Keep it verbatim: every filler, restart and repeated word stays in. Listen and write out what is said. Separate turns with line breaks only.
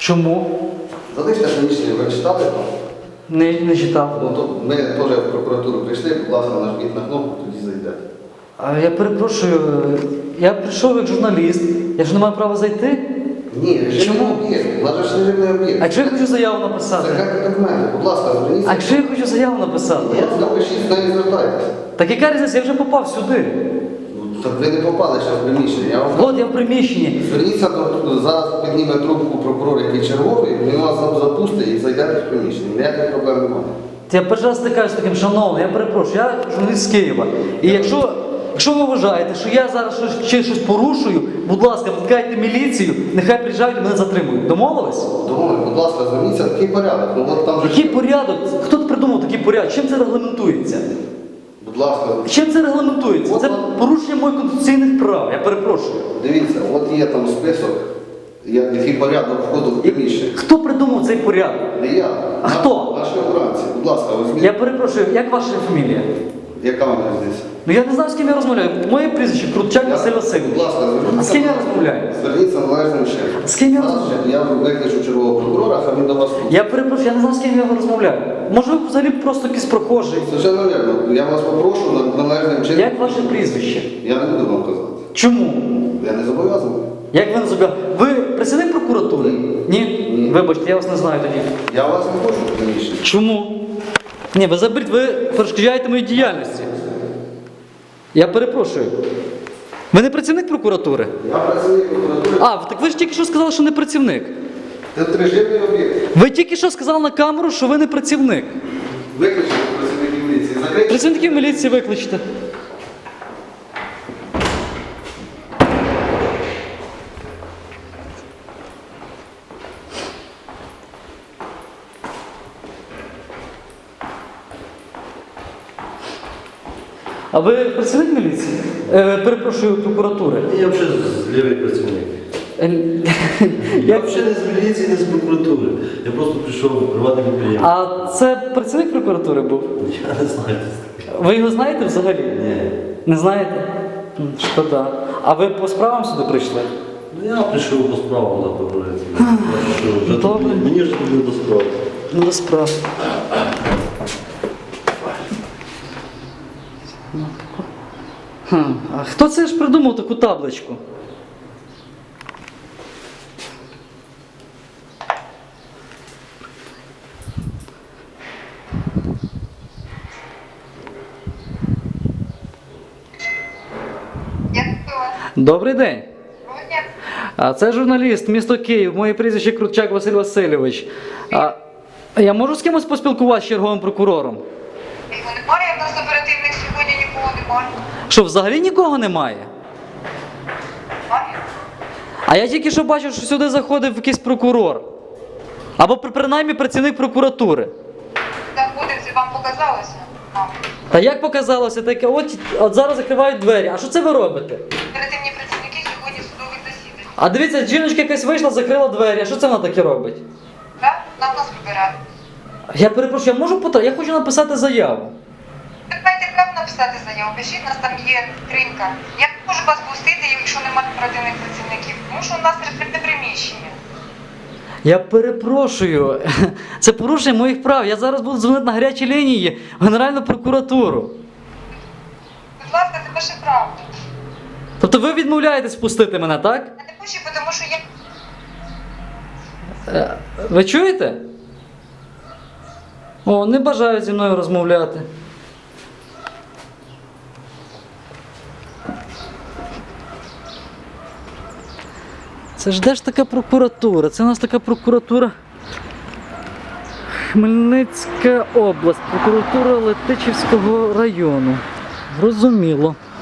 Чому?
Залиште приміщення, ви читали там?
Не, не читав.
Ну, то ми теж в прокуратуру прийшли, будь ласка, нажміть на кнопку, тоді зайдете.
А я перепрошую, я прийшов як журналіст, я ж не маю права зайти.
Ні, режимний
Чому?
об'єкт, у нас же ж режимний
А
об'єкт.
якщо я хочу заяву написати?
Закайте документи, будь ласка, зверніться.
А якщо я хочу заяву написати?
От напишіть, з нею звертайтеся.
Так яка різниця, я вже попав сюди.
Ну, так ви не попали ще в приміщення. Я вам...
От я в приміщенні.
Зверніться, до, зараз підніме трубку прокурор, який черговий, він вас запустить і зайдете в приміщення. Ніяких проблем немає.
Я перший раз стикаюсь з таким, шановний, я перепрошую, я журналіст з Києва. І якщо, якщо ви вважаєте, що я зараз щось, чи щось порушую, будь ласка, викликайте міліцію, нехай приїжджають і мене затримують. Домовились?
Думаю, будь ласка, зверніться, такий порядок. Ну, от там же...
Який порядок? Хто придумав такий порядок? Чим це регламентується?
Будь ласка,
Чим це регламентується?
От
Це
вам-
порушення моїх конституційних прав, я перепрошую.
дивіться, от є там список, я- який порядок входу в приміщення.
Хто придумав цей порядок?
Не я.
А хто?
Наші обранці. Будь ласка, візьміть.
Я перепрошую, як ваша фамілія?
Яка вам різниця?
Ну я не знаю, з ким я розмовляю. Моє прізвище Крутчак Василь Васильович.
Будь ласка, зверніться.
А з ким я розмовляю?
Зверніться належним чином.
З ким я
Зараз
розмовляю?
Я викличу чергового прокурора, хай він до вас тут.
Я перепрошую, я не знаю, з ким я розмовляю. Може, ви взагалі просто якийсь прохожий.
Совершенно вірно. Я вас попрошу на- належним чином.
Як ваше прізвище?
Я не буду вам казати.
Чому?
Я не зобов'язаний.
Як ви не зобов'язані? Ви працівник прокуратури? Ні?
Ні.
Вибачте, я вас не знаю тоді.
Я вас не хочу в приміщенні.
Чому? Ні, ви заберіть, ви перешкоджаєте моїй діяльності. Я перепрошую. Ви не працівник прокуратури?
Я працівник прокуратури.
А, так ви ж тільки що сказали, що не працівник.
Це режимний об'єкт.
Ви тільки що сказали на камеру, що ви не працівник.
Виключити працівників міліції. Закрийте.
Працівників міліції викличте. А ви працівник міліції? Е, перепрошую, прокуратури.
Я взагалі лівий працівник.
Е,
Я
як-
взагалі не з міліції, не з прокуратури. Я просто прийшов в приватний підприємство.
А це працівник прокуратури був?
Я не знаю.
Ви його знаєте взагалі?
Ні.
Не знаєте? М, Шкода. А ви по справам сюди прийшли?
Ну я прийшов по справам на поговорити. Я що, вже
Добре.
тут- Мені вже тут не до справи.
Ну, до справ. Хм. А хто це ж придумав таку табличку?
Я готова.
Добрий день.
Молодець.
А це журналіст, місто Київ, моє прізвище Крутчак Василь Васильович. А я можу з кимось поспілкуватися з черговим прокурором?
Його немає, в нас оперативних сьогодні нікого немає.
Що, взагалі нікого немає?
Немає?
А я тільки що бачив, що сюди заходив якийсь прокурор. Або при- принаймні працівник прокуратури.
Заходив, це вам показалося? Мабуть.
Та як показалося таке, от, от зараз закривають двері. А що це ви робите?
Оперативні працівники сьогодні в судових засіданнях.
А дивіться, жіночка якась вийшла, закрила двері. А що це вона таке робить?
Так? Нам нас вибирають.
Я перепрошую, я можу питати? Я хочу написати заяву.
Ви маєте право написати заяву, пишіть, у нас там є скринька. Я не можу вас пустити, якщо немає оперативних працівників, тому що у нас режимне приміщення.
Я перепрошую, це порушення моїх прав. Я зараз буду дзвонити на гарячі лінії в Генеральну прокуратуру.
Будь ласка, це ваше право.
Тобто ви відмовляєтесь пустити мене, так?
Я не пущу, тому що я...
Е, Ви чуєте? О, не бажають зі мною розмовляти. Це ж де ж така прокуратура? Це у нас така прокуратура. Хмельницька область, прокуратура Летичівського району. Розуміло.